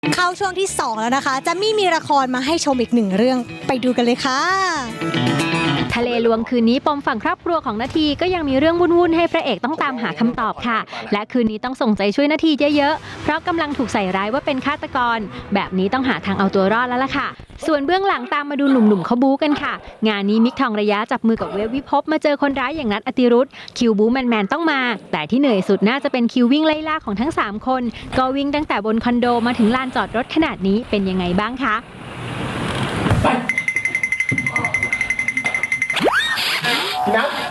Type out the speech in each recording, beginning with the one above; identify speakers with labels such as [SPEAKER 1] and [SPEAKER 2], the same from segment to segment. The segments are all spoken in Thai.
[SPEAKER 1] เข้าช่วงที่ 2 แล้วนะคะจะมีละครมาให้ชมอีก1 เรื่องไปดูกันเลยค่ะ
[SPEAKER 2] ทะเลลวงคืนนี้ปมฝั่งครอบครัวของนาทีก็ยังมีเรื่องวุ่นๆให้พระเอกต้องตามหาคำตอบค่ะและคืนนี้ต้องส่งใจช่วยนาทีเยอะๆเพราะกำลังถูกใส่ร้ายว่าเป็นฆาตกรแบบนี้ต้องหาทางเอาตัวรอดแล้วล่ะค่ะส่วนเบื้องหลังตามมาดูหนุ่มๆเขาบู๊กันค่ะงานนี้มิกทองระยะจับมือกับเวฟวิภพมาเจอคนร้ายอย่างนัทอติรุธคิวบู๊แมนๆต้องมาแต่ที่เหนื่อยสุดน่าจะเป็นคิววิ่งไล่ล่าของทั้ง3คนก็วิ่งตั้งแต่บนคอนโดมาถึงลานจอดรถขนาดนี้เป็นยังไงบ้างคะ
[SPEAKER 3] นัท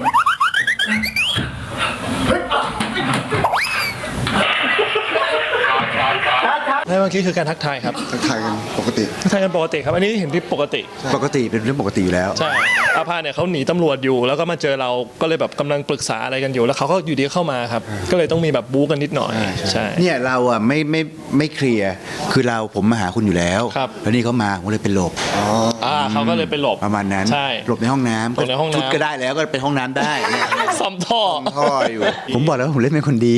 [SPEAKER 4] เมื่อกี้คือการทักทายครับ
[SPEAKER 3] ทักทายกันปกติ
[SPEAKER 4] ทักทายกันปกติครับอันนี้เห็นที่ปกติ
[SPEAKER 3] ปกติเป็นเรื่องปกติอยู่แล้ว
[SPEAKER 4] ใช่อาภาเนี่ยเขาหนีตำรวจอยู่แล้วก็มาเจอเราก็เลยแบบกำลังปรึกษาอะไรกันอยู่แล้วเขาก็อยู่ดีเข้ามาครับก็เลยต้องมีแบบบู๊กันนิดหน่อยใช่
[SPEAKER 3] เนี่ยเราอ่ะไม่เคลียร์คือผมมาหาคุณอยู่แล้ว
[SPEAKER 4] ครับ
[SPEAKER 3] แล้วนี่เขามาผมเลยเป็นหลบ
[SPEAKER 4] เขาก็เลยไปหลบ
[SPEAKER 3] ประมาณนั้น
[SPEAKER 4] ใช่
[SPEAKER 3] หลบในห้องน้ำ
[SPEAKER 4] หลบในห้องน้ำ
[SPEAKER 3] ชุดก็ได้แล้วก็เป็นห้องน้ำได้เนี่ย
[SPEAKER 4] ซ่อมท่อ
[SPEAKER 3] ท่ออยู่ ผมบอกแล้วว่าผมเล่นเป็นคนดี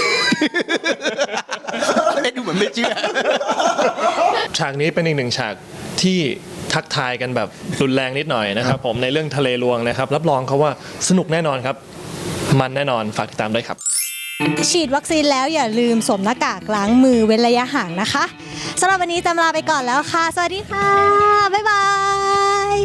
[SPEAKER 3] เล่นดูเหมือนไม่เชื่อ
[SPEAKER 4] ฉากนี้เป็นอีก1 ฉากที่ทักทายกันแบบรุนแรงนิดหน่อยนะครับผมในเรื่องทะเลลวงนะครับรับรองเขาว่าสนุกแน่นอนครับมันแน่นอนฝากติดตามด้วยครับ
[SPEAKER 1] ฉีดวัคซีนแล้วอย่าลืมสวมหน้ากากล้างมือเว้นระยะห่างนะคะสำหรับวันนี้จำลาไปก่อนแล้วค่ะสวัสดีค่ะบ๊ายบาย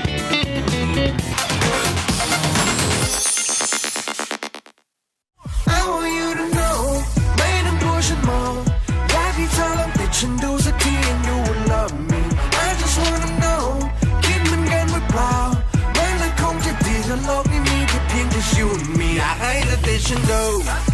[SPEAKER 5] ฉันดูสักที and you will love me I just wanna know คิดเหมือนกันหรือเปล่ามันคงจะดีถ้าโลกนี้มีแค่เพียงแต่ you and me อยากให้เธอติดฉันดู